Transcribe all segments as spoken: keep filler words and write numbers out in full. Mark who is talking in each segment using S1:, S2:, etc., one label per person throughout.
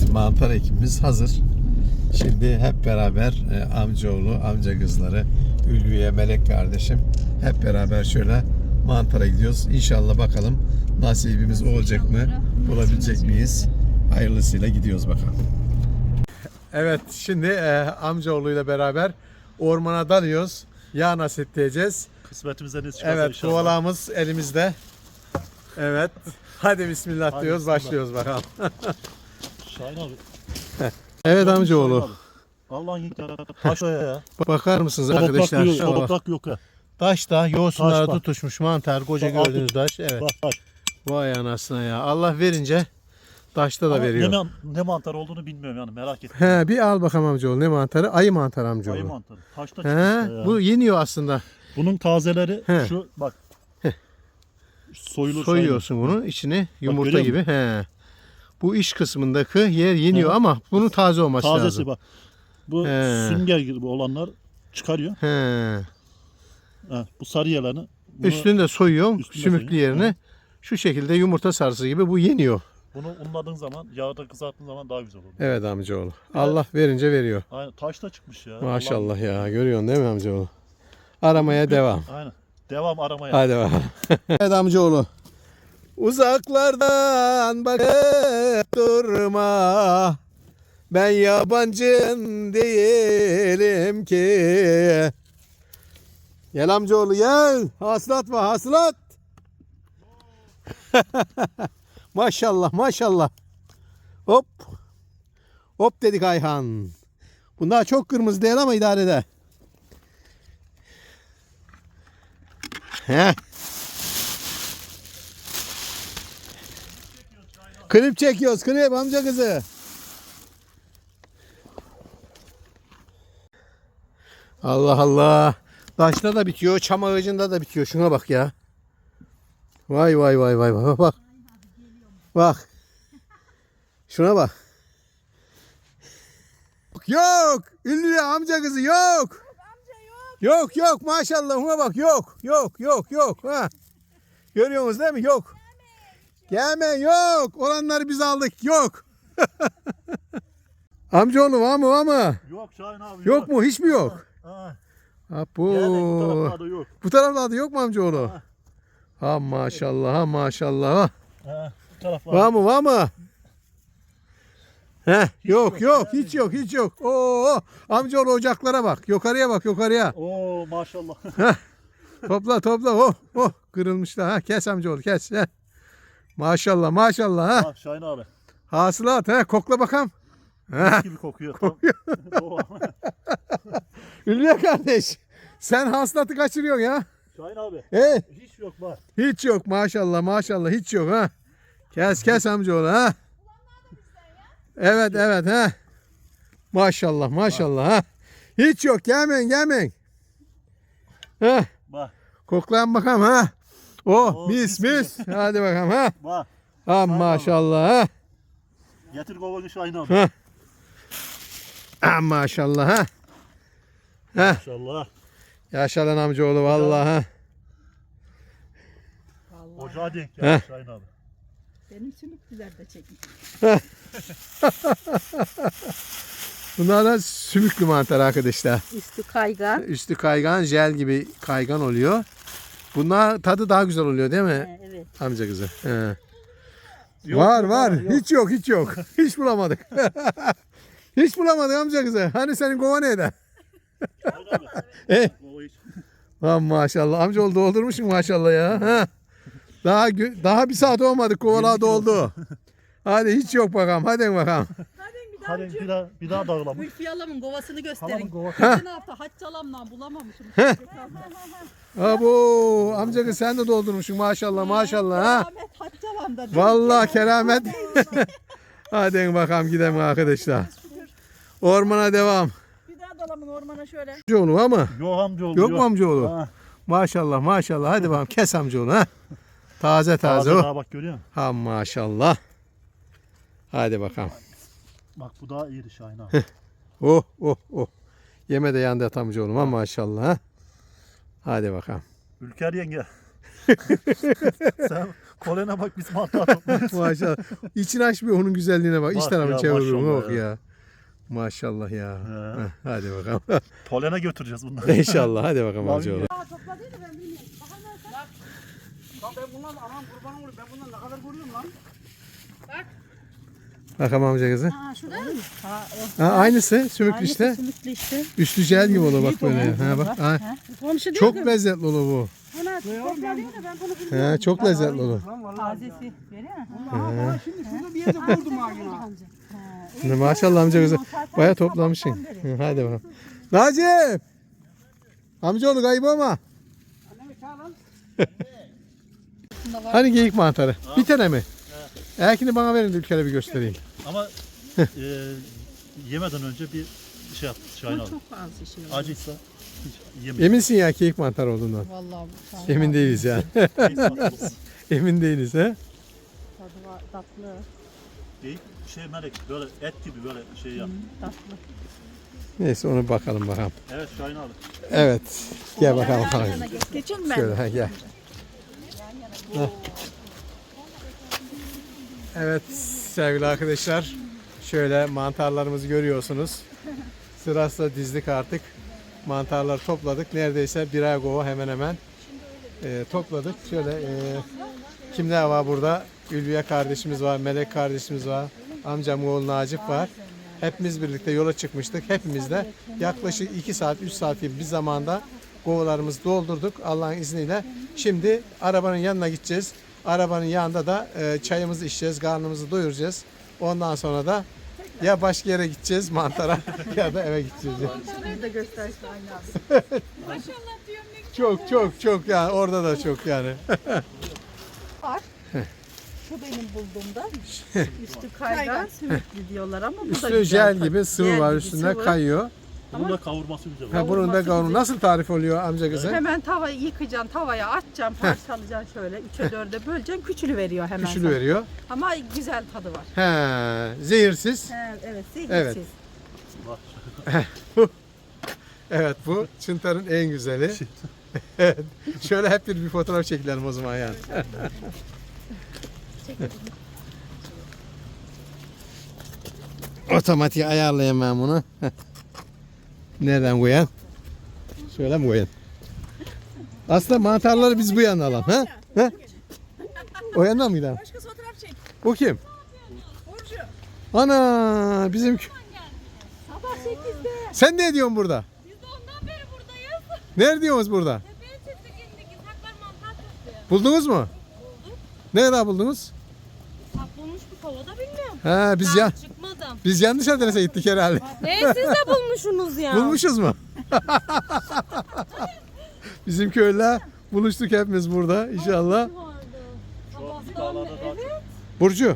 S1: mantar ekimimiz hazır. Şimdi hep beraber e, amcaoğlu, amca kızları, Ülviye, Melek kardeşim hep beraber şöyle mantara gidiyoruz. İnşallah bakalım nasibimiz olacak mı? Bulabilecek miyiz? Hayırlısıyla gidiyoruz bakalım. Evet, şimdi e, amcaoğluyla beraber ormana dalıyoruz. Yağ nasip edeceğiz.
S2: Kısmetimize ne çıkarsa
S1: Evet,
S2: inşallah.
S1: kovalağımız elimizde. Evet. Hadi bismillah
S2: Hadi
S1: diyoruz,
S2: bismillah.
S1: başlıyoruz bakalım.
S2: Şahin abi.
S1: Evet amcaoğlu.
S2: Şahin abi. Allah'ın ilk taş o ya.
S1: Bakar mısınız
S2: Toprak
S1: arkadaşlar?
S2: yok,
S1: Şuna bak.
S2: toprak yok ya.
S1: Taşta yosunlara
S2: Taş bak.
S1: tutuşmuş mantar, koca
S2: Bak,
S1: gördüğünüz taş. Evet.
S2: Bak bak.
S1: Vay anasına ya. Allah verince taşta da
S2: Ama
S1: veriyor.
S2: Ne, man- ne mantar olduğunu bilmiyorum yani, merak ettim.
S1: He, bir al bakalım amcaoğlu. Ne mantarı? Ayı mantar amcaoğlu.
S2: Ayı mantarı. Taşta
S1: He,
S2: çıkmış ya.
S1: bu yeniyor aslında.
S2: Bunun tazeleri
S1: He.
S2: şu bak. Soyulur.
S1: Soyuyorsun bunu içini yumurta
S2: görüyor
S1: gibi. He. Bu iç kısmındaki yer yeniyor
S2: He.
S1: ama bunun taze olması
S2: Tazesi
S1: lazım.
S2: bak. Bu
S1: He.
S2: sünger gibi olanlar çıkarıyor.
S1: He.
S2: Ha, bu sarı yerlerini. Bunu,
S1: Üstünü de soyuyorum
S2: Üstünde
S1: sümüklü
S2: soyuyor.
S1: yerine.
S2: Hı.
S1: Şu şekilde yumurta sarısı gibi bu yeniyor.
S2: bunu unladığın zaman, yağda kızarttığın zaman daha güzel olur.
S1: Evet amcaoğlu. Allah verince veriyor.
S2: Aynen, taşta çıkmış ya.
S1: Maşallah
S2: Allah'ım.
S1: ya. Görüyorsun değil mi amcaoğlu? Aramaya devam.
S2: Aynen. Devam aramaya.
S1: Hadi bakalım. Evet amcaoğlu. Uzaklardan bakıp durma. Ben yabancın değilim ki. Gel amcaoğlu gel. Hasılat var hasılat. Maşallah maşallah. Hop. Hop dedik Ayhan. Bunlar çok kırmızı değil ama idare eder. Heh. Klip çekiyoruz, klip amca kızı. Allah Allah. Taşta da bitiyor, çam ağacında da bitiyor. Şuna bak ya. Vay vay vay vay vay bak. Bak. Şuna bak. Yok. Ünlü amca kızı yok. Yok yok maşallah ona bak yok. Yok yok yok. Ha. Görüyorsunuz değil mi? Yok. Gelme yok. Olanları biz aldık. Yok. Amcaoğlu var mı var mı?
S2: Yok Şahin abi.
S1: Yok mu? Hiç mi yok?
S2: Ha.
S1: Ha, bu.
S2: Yani bu taraflarda yok.
S1: Bu taraflarda yok mu amcaoğlu?
S2: Ha.
S1: Ha maşallah ha maşallah. Ha.
S2: Ha, bu taraflarda.
S1: Var mı var mı? Heh, yok
S2: yok,
S1: yok
S2: yani.
S1: hiç yok hiç yok. Oo amcaoğlu ocaklara bak. Yukarıya bak yukarıya.
S2: Oo maşallah.
S1: Topla topla. Oh oh kırılmışlar. Ha kes amcaoğlu kes. Heh. Maşallah maşallah ha.
S2: Ha, Şahin abi.
S1: Hasılat ha kokla bakalım. Ha.
S2: Gibi kokuyor. Kokuyor.
S1: Ülviye kardeş. Sen hasılatı kaçırıyorsun ya.
S2: Şahin abi.
S1: He,
S2: Hiç yok var.
S1: hiç yok maşallah maşallah hiç yok ha. Kes kes amcaoğlu ha. Evet evet ha. Maşallah maşallah ha. Hiç yok gelmeyin gelmeyin. Ha.
S2: Bak.
S1: Koklayın bakalım ha. Oh
S2: Oo,
S1: mis
S2: mis
S1: mis. Hadi bakalım ha.
S2: Bak.
S1: Ha maşallah ha.
S2: Getir kovanı Şahin abi.
S1: Ha. Ha maşallah ha. Ha.
S2: Maşallah.
S1: Yaşa lan amcaoğlu vallahi ha.
S2: Ocağa denk
S1: Heh.
S2: geldi Şahin abi.
S3: Benim sümüklüler de çekmiş.
S1: Bunlar da sümüklü mantar arkadaşlar.
S3: Üstü kaygan.
S1: Üstü kaygan, jel gibi kaygan oluyor. Bunlar tadı daha güzel oluyor değil mi
S3: He, evet.
S1: amca kızı? He.
S2: Yok,
S1: var
S2: yok,
S1: var.
S2: yok.
S1: Hiç yok hiç yok. Hiç bulamadık. Hiç bulamadık amca kızı. Hani senin kova neydi?
S2: Şahin abi.
S1: Eh.
S2: O hiç.
S1: Lan maşallah. Amcaoğlu doldurmuşsun maşallah ya. Ha. Daha gö- daha bir saat olmadı kovalar doldu. Hadi hiç yok bakalım. Hadi bakalım.
S3: Hadi bir daha
S2: Hadi bir daha bir daha dağılalım.
S3: Gülfiye Alam'ın kovasını gösterin.
S2: Halamın kovası.
S3: Geçen hafta Hacı Alam'dan bulamamışım.
S1: Abo amca kız sen de doldurmuşsun maşallah maşallah ha.
S3: Keramet Hacı Alam'da.
S1: Vallahi keramet. Hadi bakalım gidelim arkadaşlar. Ormana devam.
S3: Bir daha dalamın ormana şöyle.
S1: Amcaoğlu var mı?
S2: Yok amcaoğlu.
S1: Yok mu amcaoğlu?
S2: Ha.
S1: Maşallah maşallah. Hadi bakalım kes amcaoğlu ha. Taze taze
S2: Taze
S1: o.
S2: daha bak görüyor musun?
S1: Ha maşallah. Hadi bakalım.
S2: Bak bu daha iyiydi Şahin abi.
S1: Oh oh oh. Yeme de yandı amcaoğlum ha maşallah ha. Hadi bakalım.
S2: Ülker yenge. Sen Polene bak biz mantar topluyoruz.
S1: Maşallah. İçini açmıyor onun güzelliğine bak. İç
S2: Bak
S1: tarafı
S2: ya,
S1: çeviriyorum
S2: maşallah
S1: bak
S2: ya.
S1: ya. Maşallah ya.
S2: He.
S1: Heh, hadi bakalım.
S2: Polene götüreceğiz bunları.
S1: İnşallah hadi bakalım amcaoğlu.
S4: Bak ben bundan anam kurban olayım. Ben bundan ne kadar görüyorum lan.
S1: Bakalım amca kızı.
S3: Aa şurada mı? Ha,
S1: Ha, aynısı sümüklü işte.
S3: Sümüklü işte.
S1: Üstü jel gibi olur bak böyle. Ha, bak. Ha.
S3: Komşu
S1: Çok lezzetli olur bu.
S3: Buna topla değil de ben bunu bilmiyorum.
S1: He, çok lezzetli olur.
S4: Lan vallahi.
S3: Tazesi veriyor mu?
S4: Vallahi bana şimdi şurada bir yerde buldum ha yine.
S1: Maşallah amca kızı. Baya toplamışsın. Hı, hadi bakalım. Nacip! Amcaoğlu kayıp olma.
S4: Annemi çağır lan.
S1: Hani geyik mantarı? Bir tane mi? Erkini bana verin de bir kere bir göstereyim.
S2: Ama e, yemeden önce bir şey yap. Şahin abi.
S3: Çok az işi var.
S2: Acıysa hiç yemeyin.
S1: Eminsin ya geyik mantarı olduğundan.
S3: Vallahi bu
S1: Emin değiliz yani. Emin değiliz ha.
S3: tadı var, tatlı.
S2: Değil, şey melek böyle et gibi böyle şey yap.
S3: Tatlı.
S1: Neyse onu bakalım bakalım.
S2: Evet Şahin abi.
S1: Evet. Gel bakalım.
S3: Yan
S1: bakalım.
S3: yana geç. Geçin ben.
S1: Şöyle ha, gel. Heh. Evet sevgili arkadaşlar. Şöyle mantarlarımızı görüyorsunuz. Sırasıyla dizdik artık. Mantarları topladık. Neredeyse birer kova hemen hemen e, topladık. Şöyle e, kimler var burada? Ülviye kardeşimiz var, Melek kardeşimiz var, amcam oğlu Nacip var. Hepimiz birlikte yola çıkmıştık. Hepimiz de yaklaşık iki saat, üç saat gibi bir zamanda kovalarımızı doldurduk Allah'ın izniyle. Şimdi arabanın yanına gideceğiz. Arabanın yanında da e, çayımızı içeceğiz, karnımızı doyuracağız. Ondan sonra da ya başka yere gideceğiz mantara ya da eve gideceğiz.
S3: Bir de göstersin aynı abi.
S1: Çok çok çok yani orada da çok yani.
S3: Var. Şu benim bulduğumda üstü kaygan sümüklü diyorlar ama bu da
S1: Üstü
S3: güzel.
S1: jel
S3: tadı.
S1: gibi sıvı
S3: Jel
S1: var
S3: gibi
S1: üstünde
S3: sıvı.
S1: kayıyor.
S2: Bunun da kavurması güzel.
S1: Ha, bunun da
S3: Kavurması
S1: kavurma.
S3: güzel.
S1: Nasıl tarif oluyor amca kızı?
S3: Hemen tavayı yıkacaksın, tavaya atacaksın, parçalayacaksın şöyle. Üçe dörde böleceksin, küçülü veriyor hemen.
S1: Küçülü
S3: sana.
S1: veriyor.
S3: Ama güzel tadı var.
S1: He, zehirsiz.
S3: He, evet, zehirsiz.
S1: Evet. Evet bu çıntarın en güzeli. Evet. Şöyle hep bir, bir fotoğraf çekilelim o zaman yani. Otomatik ayarlayayım ben bunu. Nereden koyan? Şöyle mi koyan? Aslında mantarları biz bu yana alalım. Ha? Ha? O yandan mı gidelim?
S3: Başka fotoğraf çek.
S1: Bu kim?
S3: Burcu.
S1: Ana bizim kö-
S3: Sabah sekizde.
S1: Sen ne ediyorsun burada?
S5: Biz de ondan beri buradayız.
S1: Ne diyorsunuz burada?
S5: Tepeye çıktık indik. İshaklar mantar topluyor.
S1: Buldunuz mu? Ne kadar buldunuz?
S5: Saklılmış bir kovada bilmiyorum.
S1: Ha biz ya
S5: Ben çıkmadım.
S1: biz yanlış adrese gittik herhalde.
S5: Ne siz de bulmuşsunuz ya.
S1: Bulmuşuz mu? Bizim köylüler buluştuk hepimiz burada inşallah.
S2: Şu an bir dağlarda daha çok.
S1: Burcu.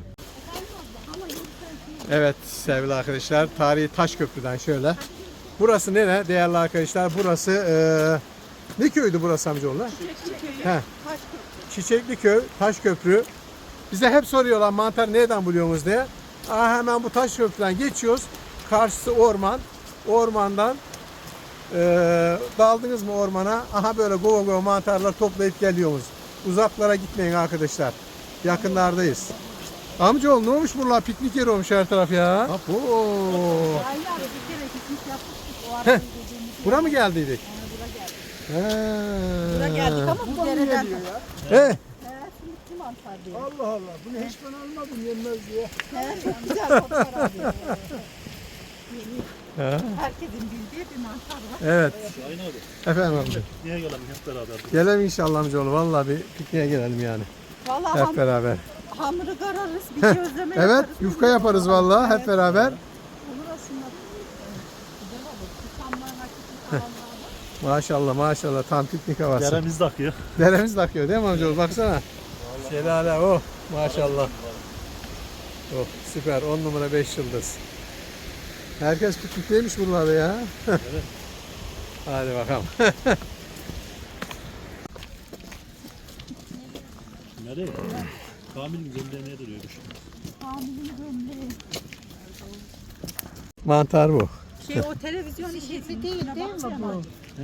S1: Evet sevgili arkadaşlar tarihi Taşköprü'den şöyle. Burası nere değerli arkadaşlar? Burası eee ne köydü burası amcaoğlu? He. Çiçekli köy, Taşköprü. Bize hep soruyorlar mantar nereden buluyorsunuz diye. Aa, hemen bu Taşköprü'den geçiyoruz. Karşısı orman. Ormandan eee daldınız mı ormana? Aha böyle gova gova mantarlar toplayıp geliyoruz. Uzaklara gitmeyin arkadaşlar. Yakınlardayız. Amcaoğlu ne olmuş buralar? Piknik yeri olmuş her taraf ya. Apo.
S3: Aynı abi bir kere piknik yapmıştık. O arada gecemizi.
S1: Bura mı geldiydik?
S3: Bura geldik.
S1: He.
S3: Bura geldik ama bu dereden.
S1: He.
S3: He, sümüklü mantar diyor.
S4: Allah Allah. Bunu hiç ben almadım yenmez diye.
S3: He, çok güzel kokar abi.
S1: Ha.
S3: Herkesin bildiği bir mantar var.
S1: Evet.
S2: Şahin abi.
S1: Efendim amca.
S2: Niye gelelim hep beraber?
S1: Gelelim inşallah amcaoğlu. Vallahi bir pikniğe gelelim yani.
S3: Vallahi
S1: Hep
S3: ham,
S1: beraber.
S3: hamuru kararız, bir közleme
S1: Evet,
S3: yaparız.
S1: yufka yaparız vallahi hep
S3: Evet.
S1: beraber.
S3: Olur aslında. Güzel olur. Tutamlar, hakiki falanlar var.
S1: Maşallah maşallah tam piknik havası.
S2: Deremiz de akıyor.
S1: Deremiz de akıyor değil mi amcaoğlu? Baksana. Şelale oh maşallah. Oh süper on numara beş yıldız. Herkes piknikteymiş buralarda ya.
S2: Evet.
S1: Hadi bakalım.
S2: Nereye? Kamil'in gömleğine duruyormuş.
S3: Hamilin gömleği.
S1: Mantar bu.
S3: Şey o televizyon işi değil değil mi bu?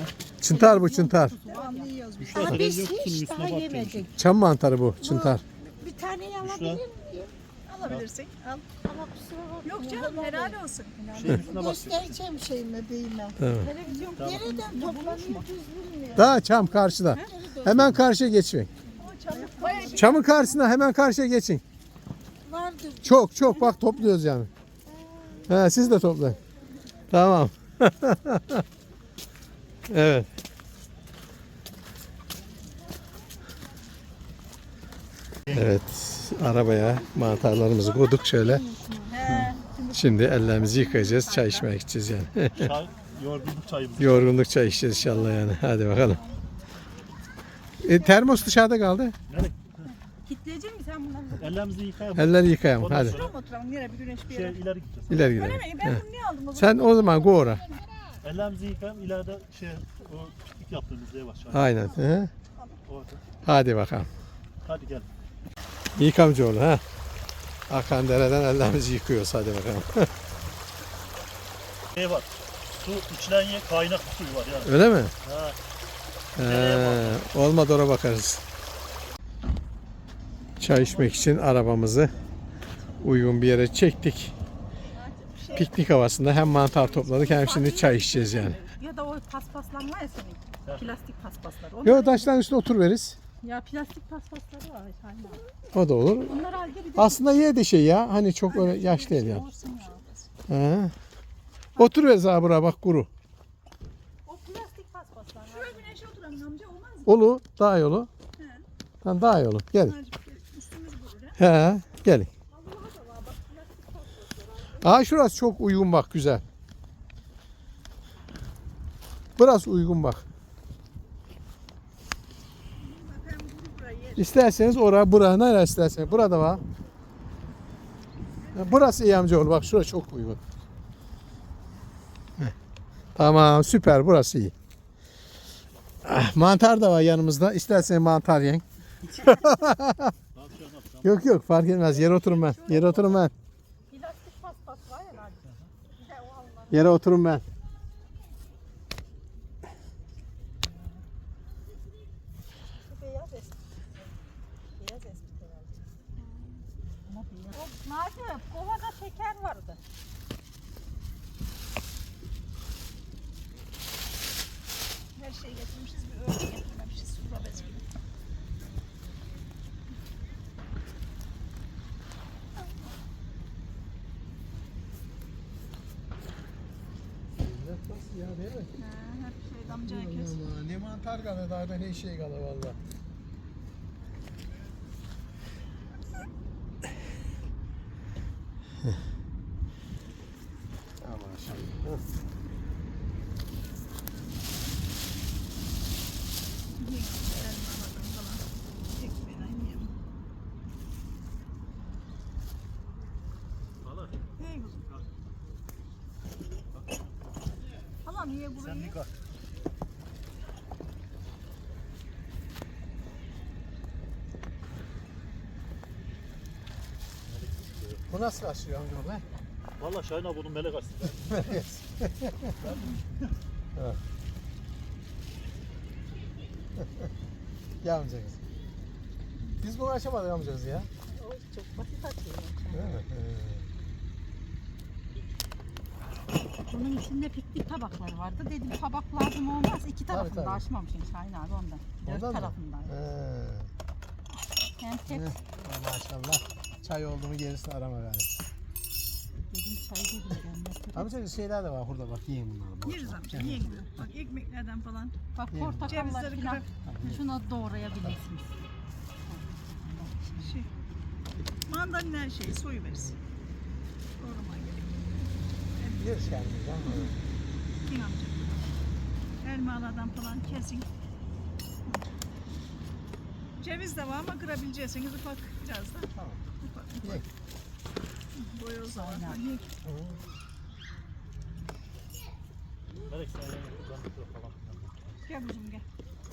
S1: Çıntar bu çıntar.
S2: Müşteri televizyon kutusunun üstüne bakıyormuş.
S1: Çam mantarı bu çıntar.
S3: taneyi
S2: Şurada
S3: alabilir miyim? Alabilirsin. Al.
S5: Ama kusura bakma.
S3: Yok canım helal olsun.
S2: şeyin üstüne bak.
S3: Göstereceğim şeyime beyime.
S1: Tamam.
S3: Televizyon nereden toplanıyor düz bilmiyorum.
S1: Daha çam karşıda. Hemen karşıya geçin.
S3: O çabuk bayağı bir
S1: Çamın karşısına hemen karşıya geçin.
S3: vardır.
S1: Çok çok bak topluyoruz yani. He, siz de toplayın. Tamam. Evet. Evet. Arabaya mantarlarımızı koyduk şöyle.
S3: He.
S1: Şimdi ellerimizi yıkayacağız. Çay içmeye gideceğiz yani.
S2: Çay, yorgunluk çayımız.
S1: Yorgunluk çay içeceğiz inşallah yani. Hadi bakalım. E, termos dışarıda kaldı.
S2: Nereye?
S3: Kitleyecek misin sen bunları?
S2: Ellerimizi yıkayalım.
S1: Elleri yıkayalım.
S2: Ondan
S1: Hadi.
S2: sonra
S3: Şuraya mı oturalım? Nereye bir güneş bir
S2: şey,
S3: yere?
S2: ileri gideceğiz.
S1: İleri
S3: Öyle
S1: gidelim.
S3: mi? Ben bunu niye aldım o zaman?
S1: Sen o zaman go ora.
S2: Ellerimizi yıkayalım. İleride şey, o piknik yaptığımız ev aşağı.
S1: Aynen. He.
S2: Orada.
S1: Hadi bakalım.
S2: Hadi gel.
S1: Yık amcaoğlu ha. Akan dereden ellerimizi yıkıyoruz. Hadi bakalım.
S2: Şey var. Su içilen yer kaynak bir suyu var yani.
S1: Öyle mi?
S2: Ha.
S1: He. Olmadı oraya bakarız. Çay içmek için arabamızı uygun bir yere çektik. Piknik havasında hem mantar topladık hem şimdi çay içeceğiz yani.
S3: Ya da o paspaslanma ya senin. Plastik paspaslar. Onlar,
S1: Yo taşların üstüne oturveririz.
S3: ya plastik paspasları var. Aynen.
S1: O da olur.
S3: Onlar halde bir de
S1: Aslında iyi de şey ya. Hani çok öyle yaş değil yani.
S3: olsun ya.
S1: He. Oturuveririz abi buraya bak kuru.
S3: O plastik paspaslar. Şuraya güneşe oturalım amca olmaz mı?
S1: Olu daha yolu. Tamam daha yolu. Gelin.
S3: Üstümüz böyle.
S1: He, gelin. Aa şurası çok uygun bak güzel. Burası uygun bak.
S3: Bakayım bunu buraya yer.
S1: İsterseniz oraya buraya nereye isterseniz. Burada var. Ya burası iyi amcaoğlu bak şurası çok uygun. Heh. Tamam süper burası iyi. Ah, mantar da var yanımızda. İsterseniz mantar yiyin. Yok yok fark etmez. Yere oturun ben. Yere oturun ben.
S3: Plastik paspas var ya hadi. Bir de o alma.
S1: Yere oturun ben.
S3: Bu beyaz eski. Beyaz eski herhalde. Ama beyaz. O Naci, kovada şeker vardı. Her şeyi getirmişiz, bir örgü getirmemişiz. Sufra bezi gibi.
S1: Ya değil mi?
S3: Ha, hep şey damcaya kes.
S1: Allah, ne mantar kalır daha ne şey kalır valla. Aman şimdi.
S2: Hala.
S3: Hey kuzum. Hala niye
S2: Sen
S3: burayı?
S2: yıka.
S1: Bu nasıl açıyor amca be?
S2: Valla Şahin abi bunun melek açtı.
S1: Ya amca kız. Biz bunu açamadık amcacığız ya.
S3: O çok basit açıyor.
S1: Değil mi?
S3: Bunun içinde piknik tabakları vardı. Dedim tabak lazım olmaz. İki tarafını
S1: tabii.
S3: da açmamışım Şahin abi ondan. Dört
S1: Ondan mı?
S3: tarafından.
S1: He.
S3: Hem tek
S1: Heh. Maşallah. Çay oldu mu gerisini arama gari.
S3: dedim çay dedim.
S1: Amca şeyler de var burada bak yiyin bunları. boş
S3: Yeriz
S1: ver.
S3: amca yiyin. Bak ekmeklerden falan.
S5: Bak
S1: Değil mi?
S5: portakallar
S3: Cevizleri
S5: falan.
S3: kırar.
S5: Şunu doğrayabilirsiniz.
S3: Şey. Mandalina her şeyi soyu veririz. Doğraman gerek.
S1: Yeriz kendimiz ama.
S3: Yiyin amca. Elmalardan falan kesin. Ceviz de var ama kırabileceksiniz ufak biraz da.
S1: Tamam.
S3: Ufak
S1: Ye.
S3: ufak. Boyoz da var. Yiyin.
S2: Melek sen yani buradan falan.
S3: Gel kuzum gel.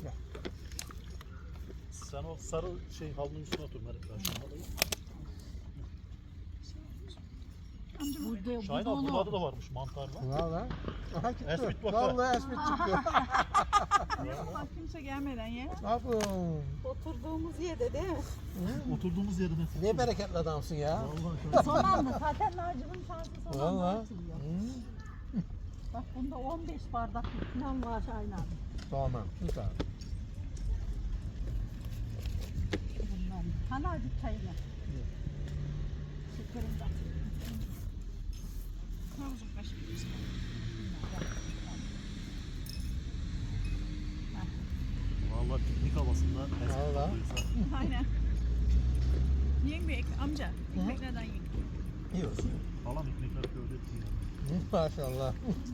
S2: Sen o sarı şey havlunun üstüne otur Melek. Ben şu halıyı.
S5: Burada,
S2: Şahin
S5: burada
S2: abi
S5: onu.
S2: burada da varmış mantarla.
S1: Valla. Aha çıktı.
S2: Esmit bak.
S1: Vallahi esmit çıktı.
S3: Bak kimse gelmeden ya.
S1: Abu.
S3: Oturduğumuz yerde değil mi?
S2: Oturduğumuz yerine.
S1: Ne bereketli adamsın ya.
S2: Vallahi
S3: Son anda zaten Naci'nin şansı son anda
S1: Valla.
S3: açılıyor. Bak bunda on beş bardak falan var Şahin abi.
S1: Tamam. Süper.
S3: Bundan. Hani acık çayını. Şekerim de atayım. Kılavuzum kaşık.
S2: Vallahi piknik havasında.
S1: Vallahi.
S3: Aynen. Yiyin bir ek, amca. Ekmeklerden yiyin.
S1: İyi olsun.
S2: Falan ekmekler böyle etmiyor.
S1: Maşallah.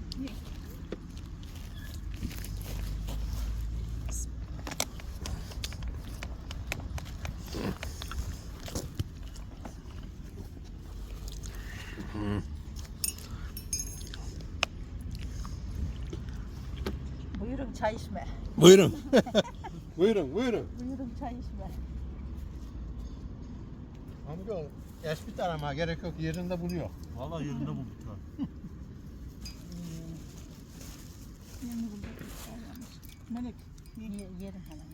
S3: Buyurun çay içme.
S1: Buyurun. buyurun, buyurun.
S3: Buyurun çay içme.
S1: Amca esmit aramaya gerek yok. Yerinde buluyor.
S2: Vallahi yerinde bulduk ha.
S3: Yerini bulduk. Melek.
S5: Ye- yerim hemen.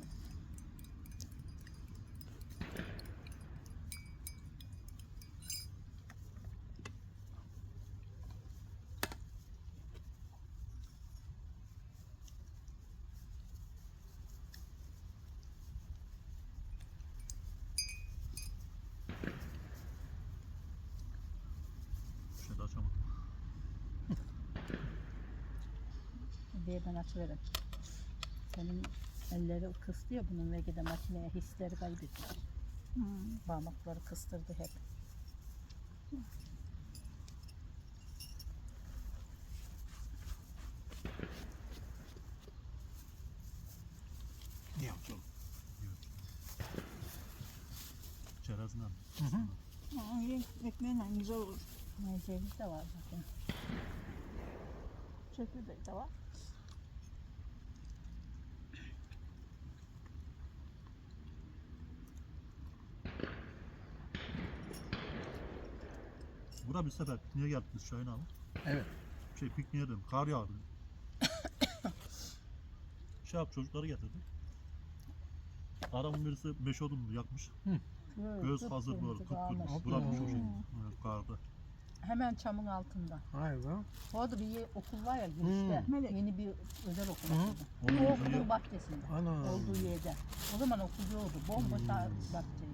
S2: Şöyle açamadım.
S5: Bir yerden açıverin. Senin elleri kıstı ya bunun ve de makineye hisleri kaybediyor.
S3: Hmm.
S5: Parmakları kıstırdı hep.
S1: Ne yapacağım?
S2: Çerezle.
S3: Aa, ye. Ekmeğiyle güzel olur.
S5: Ne ceviz de var zaten.
S3: Çekirdek de var.
S2: Bura bir sefer pikniğe geldik biz Şahin abi.
S1: Evet.
S2: Şey pikniğe dedim. Kar yağdı. Şey yap çocukları getirdik. Adamın birisi beş odun yakmış. Göz hazır böyle tutturmuş.
S1: kalmış.
S2: Bırakmış o
S1: Hmm.
S2: şey. Evet, karda.
S5: Hemen çamın altında.
S1: Hayır be.
S5: Orada bir ye- okul var ya girişte.
S3: Hmm. Melek.
S5: Yeni bir özel okul
S1: Hı.
S5: açıldı.
S2: Onun
S5: O
S2: yüzüne
S5: okulun
S2: gel-
S5: bahçesinde.
S1: Ana.
S5: Olduğu yerde. O zaman okul yoktu. Bomboş
S1: Hmm.
S5: bahçeydi.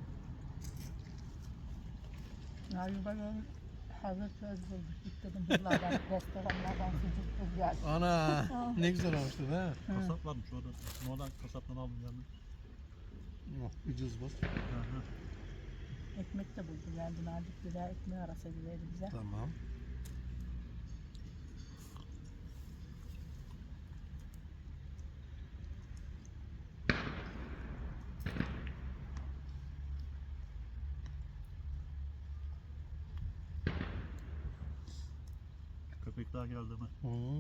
S5: Ya böyle hazır söz bulduk. Git dedim buralardan, restoranlardan sucuk bul gel.
S1: Ana. ne güzel olmuştu değil mi?
S2: Kasap varmış orada. Oradan kasaptan aldım geldim.
S1: Oh, ucuz bu.
S2: Hı hı.
S5: Ekmek de buldu geldi. Nazik birer ekmeği arası verdi bize.
S1: Tamam.
S2: Köpek daha geldi mi?
S1: Hmm.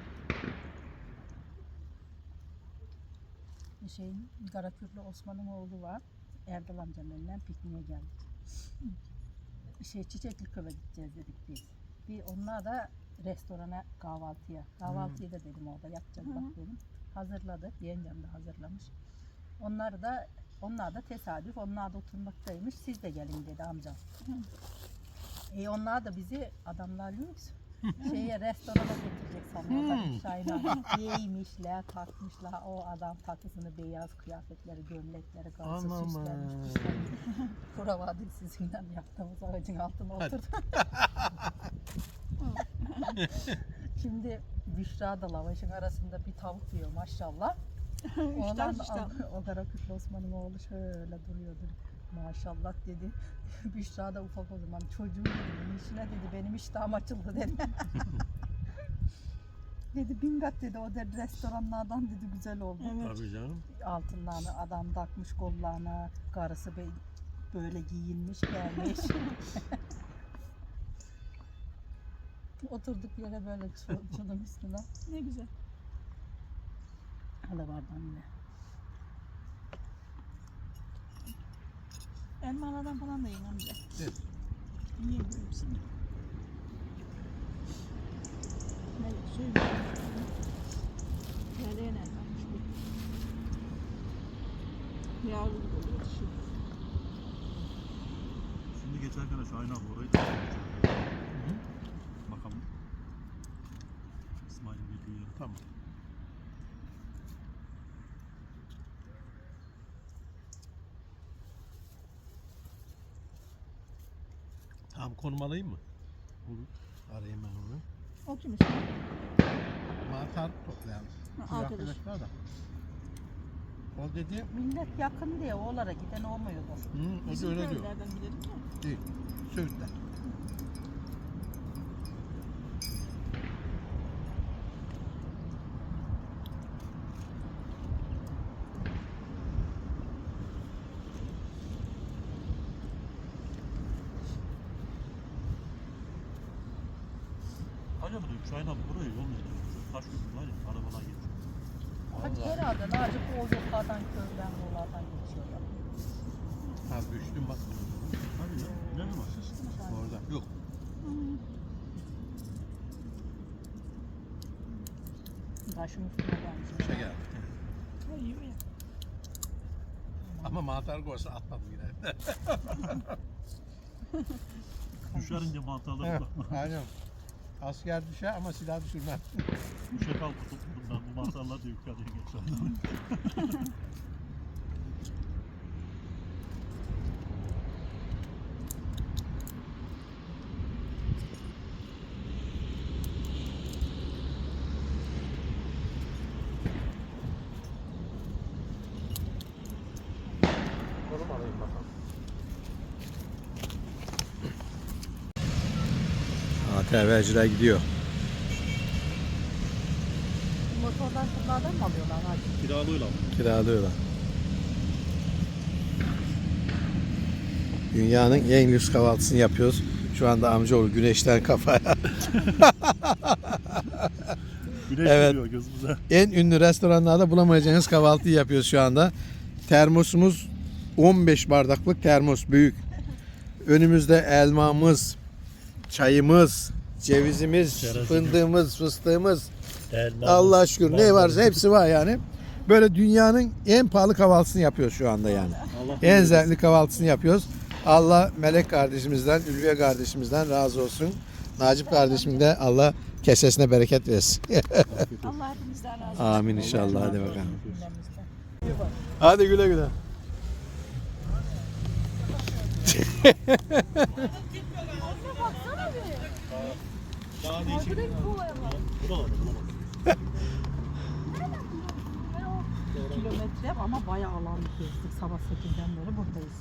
S5: Şeyin Karakürlü Osman'ın oğlu var. Erdal amcanın elinden pikniğe geldik. Şey Çiçekli Köy'e gideceğiz dedik biz. Bir onlar da restorana kahvaltıya. Kahvaltıyı da dedim orada yapacağız
S3: Hı hı.
S5: bak dedim. Hazırladı. Yengem de hazırlamış. Onlar da onlar da tesadüf. Onlar da oturmaktaymış. Siz de gelin dedi amcam. E onlar da bizi adamlar lüks şeye restorana götürecek sanıyorlar.
S1: Hmm.
S5: Şahin abi giymişler, takmışlar. O adam takısını beyaz kıyafetleri, gömlekleri, karşı
S1: Anam.
S5: süslenmiş. Kuravadık sizinle yaptığımız ağacın altına
S1: Hadi.
S5: oturduk. Şimdi Büşra da lavaşın arasında bir tavuk yiyor maşallah. Ondan
S3: İştah, iştah.
S5: o Karakütlü Osman'ın oğlu şöyle duruyordu. Maşallah dedi. Büşra da ufak o zaman. Çocuğum dedi. Bunun işine dedi. Benim iştahım açıldı dedi. dedi bingat dedi. O dedi restoranlardan dedi güzel oldu.
S3: Evet.
S1: Tabii canım.
S5: Altınlarını adam takmış kollarına. Karısı be- böyle giyinmiş gelmiş. Oturduk yere böyle çu- çulun üstüne.
S3: Ne güzel.
S5: Hala vardı anne.
S3: Elmalardan falan da yiyin amca.
S1: Evet.
S3: Yiyin hepsini. Nereye ne varmış bu? Yavru oluyor şu.
S2: Şimdi geçerken Şahin abi orayı da bakalım. İsmail'in girdiği yeri.
S1: Tamam. Tamam, konum alayım mı?
S2: Olur.
S1: Arayayım ben onu.
S3: O kim işte?
S1: Mantar toplayalım.
S3: Ha,
S1: Şu
S3: arkadaş.
S1: arkadaşlar da. O dedi,
S5: Millet yakın diye oğlara giden olmuyordur.
S1: hı, o da
S3: Bizim
S1: öyle diyor.
S3: köylerden gidelim mi?
S1: Değil. Söğütler.
S2: Acaba diyorum Şahin abi burayı yol mu gidiyor? Taş köprü var ya arabalar geçiyor.
S5: Hadi herhalde Naci o yollardan köyden yollardan geçiyorlar.
S1: Ha, düştüm bak.
S2: Hadi ya. Ne mi var?
S1: Orada. Yok.
S5: Taşın üstüne gelmiş.
S1: Bir şey geldi.
S3: Ha, yiyor ya.
S1: Ama mantar koysa atmadım yine.
S2: Düşerince mantarları
S1: Evet,
S2: bırakma.
S1: aynen. Asker düşer ama silah düşürmez.
S2: Düşe kalk tuttum ben bu mantarlar da yukarıya geçer.
S1: Konum alayım bakalım. A T V'ciler gidiyor.
S5: Motordan şunlardan mı alıyorlar Naci?
S2: Kiralıyla.
S1: Kiralıyorlar. Dünyanın en lüks kahvaltısını yapıyoruz. Şu anda amcaoğlu güneşten kafaya.
S2: Güneş
S1: Evet.
S2: vuruyor gözümüze.
S1: En ünlü restoranlarda bulamayacağınız kahvaltıyı yapıyoruz şu anda. Termosumuz on beş bardaklık termos, büyük. Önümüzde elmamız, çayımız, cevizimiz,
S2: Çerezimiz.
S1: fındığımız, fıstığımız.
S2: Elma,
S1: Allah şükür ne
S2: mandalina.
S1: varsa hepsi var yani. Böyle dünyanın en pahalı kahvaltısını yapıyoruz şu anda yani.
S2: Allah
S1: En
S2: bilir.
S1: zevkli kahvaltısını yapıyoruz. Allah Melek kardeşimizden, Ülviye kardeşimizden razı olsun. Nacip kardeşim de Allah kesesine bereket versin.
S3: Allah hepimizden razı olsun.
S1: Amin inşallah. Hadi bakalım.
S5: Gündemimizde.
S1: Hadi güle güle.
S3: Baksana bir.
S2: Daha değişik.
S3: Arkadaki kovaya bak.
S2: Buralarda bulamaz.
S5: Kilometre ama bayağı alan gezdik. Sabah sekizden beri buradayız.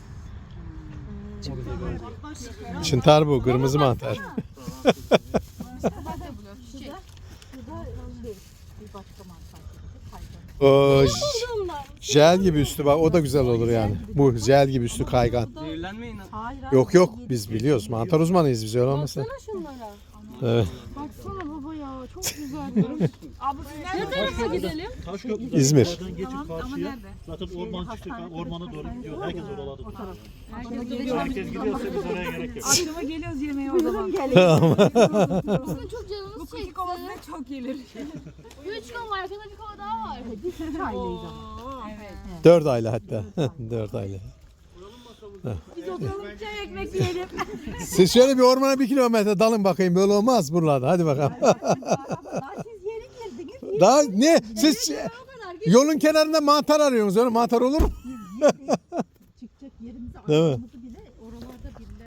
S1: Çıntar bu, kırmızı mantar.
S3: Şurada şey değil.
S5: Bir başka mantar gibi. Kaygan.
S1: O j- jel gibi üstü bak, o da güzel olur yani. Bu jel gibi üstü kaygan.
S4: Zehirlenmeyin.
S5: Hayır, hayır.
S1: Yok yok, biz biliyoruz. Mantar uzmanıyız biz, öyle olmasın.
S3: şunlara.
S1: Evet.
S3: Baksana baba ya çok güzel. Abi siz ne tarafa gidelim?
S2: Taş köprü.
S1: İzmir.
S2: Oradan geçip karşıya. Zaten orman çıkıyor. Ormana doğru gidiyor. Herkes oralarda.
S3: Herkes gidiyor.
S2: Herkes gidiyorsa biz oraya gerek yok.
S3: Akşama geliyoruz yemeğe o zaman.
S6: Bizim çok canımız
S3: Bu
S6: çekti.
S3: kuki kovasına çok gelir.
S6: Üç gün var, arkada bir kova daha var.
S5: Çaylıyız ama.
S3: Evet.
S1: Dört aylı hatta. Dört aylı.
S3: Biz oturalım çay ekmek yiyelim.
S1: Siz şöyle bir ormana bir kilometre dalın bakayım, böyle olmaz buralarda. Hadi bakalım.
S5: Daha siz yeni girdiniz.
S1: Daha ne? Siz yolun kenarında mantar arıyorsunuz. Öyle mantar olur mu?
S5: Çıkacak yerimizi
S1: Değil mi?
S5: aramızı bile oralarda bile.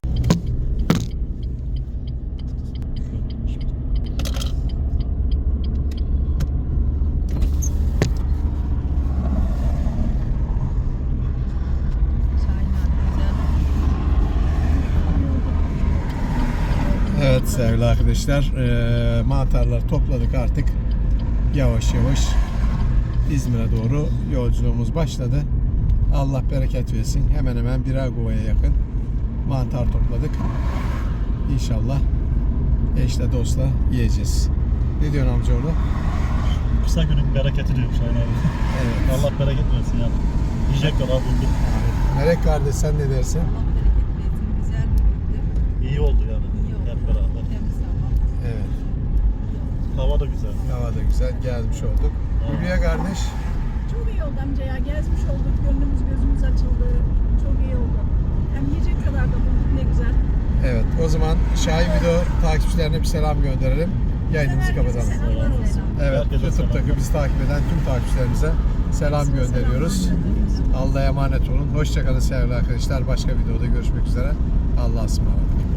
S1: Evet sevgili arkadaşlar, eee mantarları topladık artık. Yavaş yavaş İzmir'e doğru yolculuğumuz başladı. Allah bereket versin. Hemen hemen birer kovaya yakın mantar topladık. İnşallah eşle dostla yiyeceğiz. Ne diyorsun amcaoğlu?
S2: Kısa günün bereketi diyor Şahin abi.
S1: Evet.
S2: Allah bereket versin yani. Yiyecek kadar bulduk.
S1: Melek kardeş, sen ne dersin?
S5: Güzel bir gündü.
S2: İyi oldu yani.
S5: İyi oldu.
S2: Hep beraber.
S5: Temiz hava.
S1: Evet.
S2: Hava da da güzel.
S1: Hava da güzel. Gezmiş olduk. Hülya kardeş.
S3: Çok iyi oldu amca ya. Gezmiş olduk. Gönlümüz gözümüz açıldı. Çok iyi oldu. Hem yiyecek kadar da bulduk, ne güzel.
S1: Evet, o zaman Şahin Video takipçilerine bir selam gönderelim. Yayınımızı
S3: Herkese
S1: kapatalım.
S3: selamlar olsun.
S1: Evet,
S2: Herkese
S1: YouTube'daki
S2: selam.
S1: bizi takip eden tüm takipçilerimize selam gönderiyoruz. Allah'a emanet olun. Hoşçakalın sevgili arkadaşlar. Başka videoda görüşmek üzere. Allah'a ısmarladık.